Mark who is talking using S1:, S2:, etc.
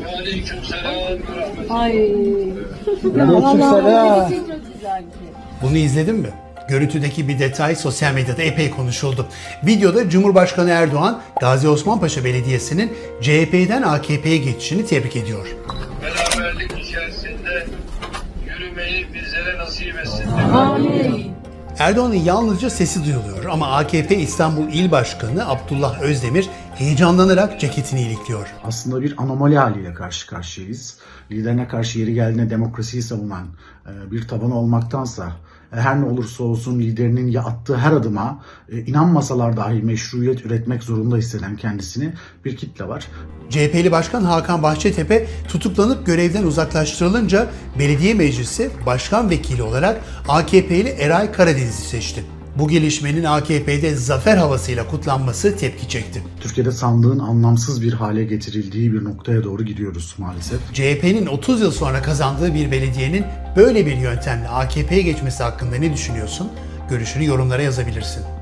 S1: Aleykümselam.
S2: Ay.
S3: Aleykümselam.
S2: Çok güzel bir şey.
S4: Bunu izledin mi? Görüntüdeki bir detay sosyal medyada epey konuşuldu. Videoda Cumhurbaşkanı Erdoğan, Gazi Osman Paşa Belediyesi'nin CHP'den AKP'ye geçişini tebrik ediyor.
S1: Beraberlik içerisinde yürümeyi bizlere nasip etsin.
S2: Amin.
S4: Erdoğan'ın yalnızca sesi duyuluyor ama AKP İstanbul İl Başkanı Abdullah Özdemir heyecanlanarak ceketini ilikliyor.
S3: Aslında bir anomali haliyle karşı karşıyayız. Liderine karşı yeri geldiğinde demokrasiyi savunan bir tabanı olmaktansa her ne olursa olsun liderinin attığı her adıma inanmasalar dahi meşruiyet üretmek zorunda hisseden kendisini bir kitle var.
S4: CHP'li Başkan Hakan Bahçetepe tutuklanıp görevden uzaklaştırılınca belediye meclisi başkan vekili olarak AKP'li Eray Karadeniz'i seçti. Bu gelişmenin AKP'de zafer havasıyla kutlanması tepki çekti.
S3: Türkiye'de sandığın anlamsız bir hale getirildiği bir noktaya doğru gidiyoruz maalesef.
S4: CHP'nin 30 yıl sonra kazandığı bir belediyenin böyle bir yöntemle AKP'ye geçmesi hakkında ne düşünüyorsun? Görüşünü yorumlara yazabilirsin.